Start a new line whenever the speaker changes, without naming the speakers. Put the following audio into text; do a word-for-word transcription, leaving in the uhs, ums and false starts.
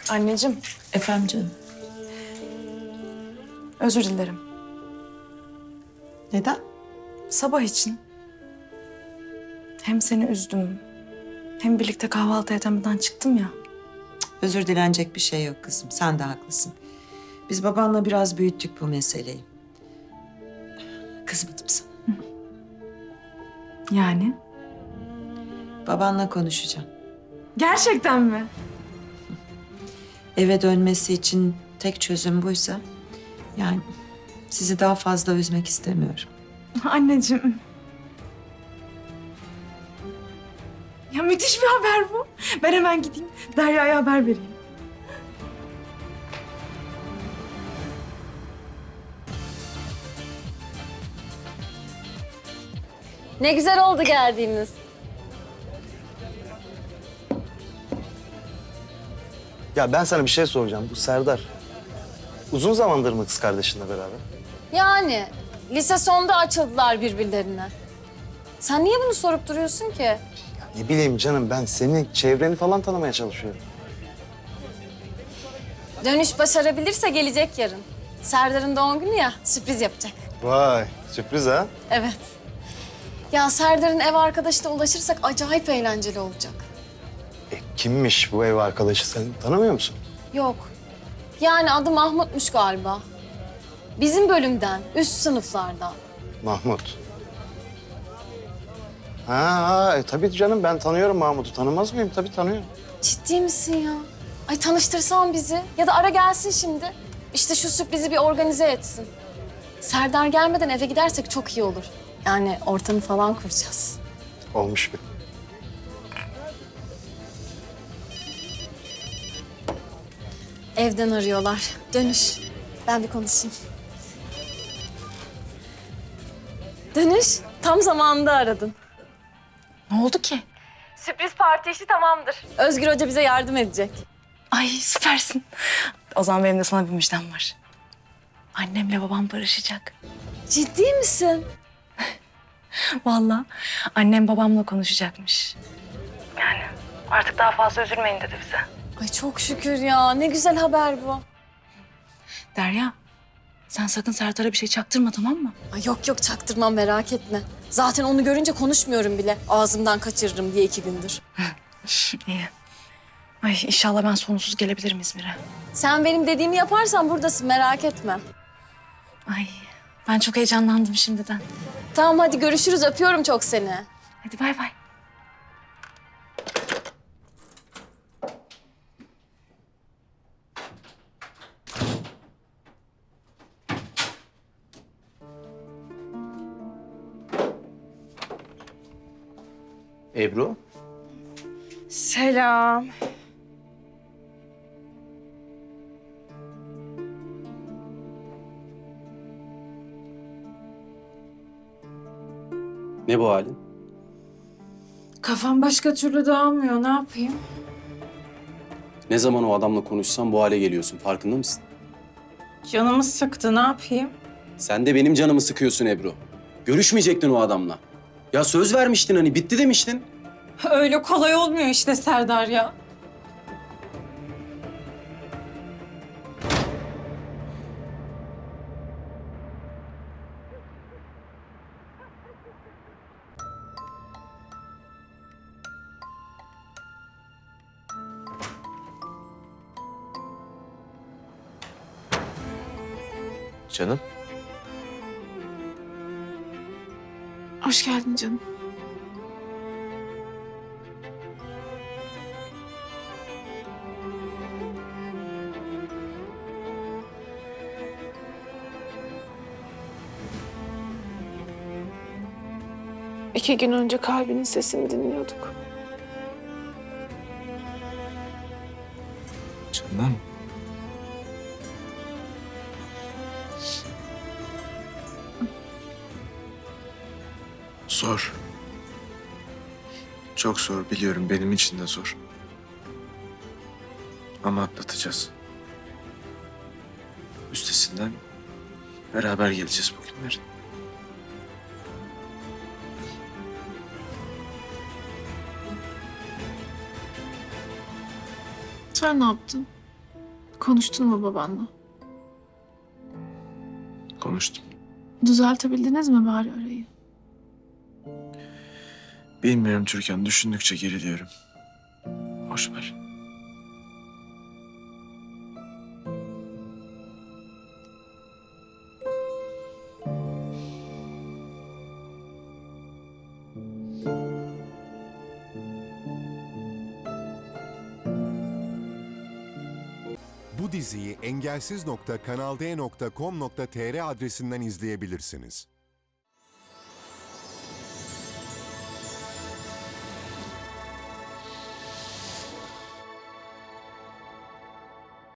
Anneciğim,
Efendim canım.
özür dilerim.
Neden?
Sabah için. Hem seni üzdüm, hem birlikte kahvaltı edemeden çıktım ya.
Özür dilenecek bir şey yok kızım. Sen de haklısın. Biz babanla biraz büyüttük bu meseleyi. Kızmadım sana.
Yani?
Babanla konuşacağım.
Gerçekten mi?
Eve dönmesi için tek çözüm buysa... yani sizi daha fazla üzmek istemiyorum.
Anneciğim. Ya müthiş bir haber bu. Ben hemen gideyim, Derya'ya haber vereyim.
Ne güzel oldu geldiğimiz.
Ya ben sana bir şey soracağım. Bu Serdar uzun zamandır mı kız kardeşinle beraber?
Yani lise sonda açıldılar birbirlerine. Sen niye bunu sorup duruyorsun ki?
Ne bileyim canım, ben senin çevreni falan tanımaya çalışıyorum.
Dönüş başarabilirse gelecek yarın. Serdar'ın doğum günü ya, sürpriz yapacak.
Vay, sürpriz ha?
Evet. Ya Serdar'ın ev arkadaşına ulaşırsak acayip eğlenceli olacak.
E, kimmiş bu ev arkadaşı, sen tanımıyor musun?
Yok. Yani adı Mahmut'muş galiba. Bizim bölümden, üst sınıflardan.
Mahmut. Ha, ha e, tabii canım, ben tanıyorum Mahmut'u. Tanımaz mıyım? Tabii tanıyorum.
Ciddi misin ya? Ay tanıştırsan bizi. Ya da ara gelsin şimdi. İşte şu sürprizi bir organize etsin. Serdar gelmeden eve gidersek çok iyi olur. Yani ortamı falan kuracağız.
Olmuş bir.
Evden arıyorlar. Dönüş. Ben bir konuşayım. Dönüş. Tam zamanında aradın.
Ne oldu ki?
Sürpriz parti işi tamamdır. Özgür Hoca bize yardım edecek.
Ay süpersin. O zaman benim de sana bir müjdem var. Annemle babam barışacak.
Ciddi misin?
Vallahi annem babamla konuşacakmış. Yani artık daha fazla üzülmeyin dedi bize.
Ay çok şükür ya. Ne güzel haber bu.
Derya, sen sakın Serdar'a bir şey çaktırma, tamam mı?
Ay yok yok çaktırmam, merak etme. Zaten onu görünce konuşmuyorum bile. Ağzımdan kaçırırım diye iki gündür.
İyi. Ay inşallah ben sonsuz gelebilirim İzmir'e.
Sen benim dediğimi yaparsan buradasın, merak etme.
Ay ben çok heyecanlandım şimdiden.
Tamam hadi görüşürüz. Öpüyorum çok seni.
Hadi bay bay.
Ebru,
Selam.
ne bu halin?
Kafam başka türlü dağılmıyor. Ne yapayım?
Ne zaman o adamla konuşsam bu hale geliyorsun, farkında mısın?
Canımı sıktı. Ne yapayım?
Sen de benim canımı sıkıyorsun Ebru. Görüşmeyecektin o adamla. Ya söz vermiştin hani, bitti demiştin.
Öyle kolay olmuyor işte Serdar ya.
Canım.
Hoş geldin canım.
İki gün önce kalbinin sesini dinliyorduk.
Canım. Zor. Çok zor biliyorum. Benim için de zor. Ama atlatacağız. Üstesinden beraber geleceğiz bu günlerin.
Sen ne yaptın? Konuştun mu babanla?
Konuştum.
Düzeltebildiniz mi bari arayı?
Bilmiyorum Türkan. Düşündükçe geriliyorum. Boş ver.
Bu diziyi engelsiz nokta kanal d nokta com nokta tr adresinden izleyebilirsiniz.